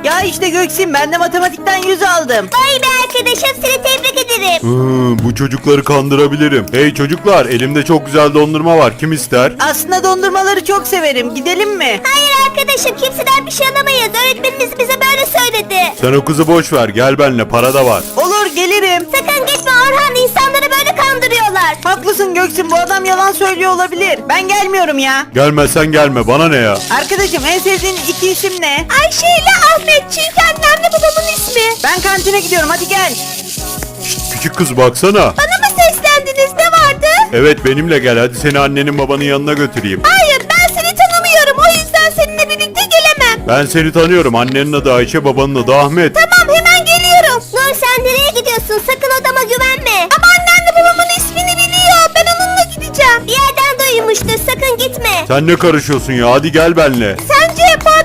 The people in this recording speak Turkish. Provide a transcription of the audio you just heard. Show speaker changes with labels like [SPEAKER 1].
[SPEAKER 1] Ya işte Göksin, ben de matematikten 100 aldım.
[SPEAKER 2] Vay be arkadaşım, seni tebrik ederim.
[SPEAKER 3] Bu çocukları kandırabilirim. Hey çocuklar, elimde çok güzel dondurma var. Kim ister?
[SPEAKER 1] Aslında dondurmaları çok severim. Gidelim mi?
[SPEAKER 2] Hayır arkadaşım, kimseden bir şey alamayız. Öğretmenimiz bize böyle söyledi.
[SPEAKER 3] Sen o kızı boş ver. Gel benimle, para da var.
[SPEAKER 1] Olur, gelirim.
[SPEAKER 2] Sakın gitme Orhan, insanları böyle kandırıyorlar.
[SPEAKER 1] Haklısın Göksin, bu adam yalan söylüyor olabilir. Ben gelmiyorum ya.
[SPEAKER 3] Gelmezsen gelme, bana ne ya?
[SPEAKER 1] Arkadaşım, en sevdiğin iki isim ne?
[SPEAKER 2] Ayşe ile Ahmet, çünkü annemle babamın ismi.
[SPEAKER 1] Ben kantine gidiyorum, hadi gel.
[SPEAKER 3] Küçük kız baksana.
[SPEAKER 2] Bana mı seslendiniz, ne vardı?
[SPEAKER 3] Evet, benimle gel. Hadi seni annenin babanın yanına götüreyim.
[SPEAKER 2] Hayır, ben seni tanımıyorum, o yüzden seninle birlikte gelemem.
[SPEAKER 3] Ben seni tanıyorum. Annenin adı Ayşe, babanın adı Ahmet.
[SPEAKER 2] Tamam, hemen geliyorum. Nur, sen nereye gidiyorsun? Sakın odama güvenme. Ama annemle babamın ismini biliyor. Ben onunla gideceğim. Bir yerden duymuştur, sakın gitme.
[SPEAKER 3] Sen ne karışıyorsun ya? Hadi gel benimle.
[SPEAKER 2] Sence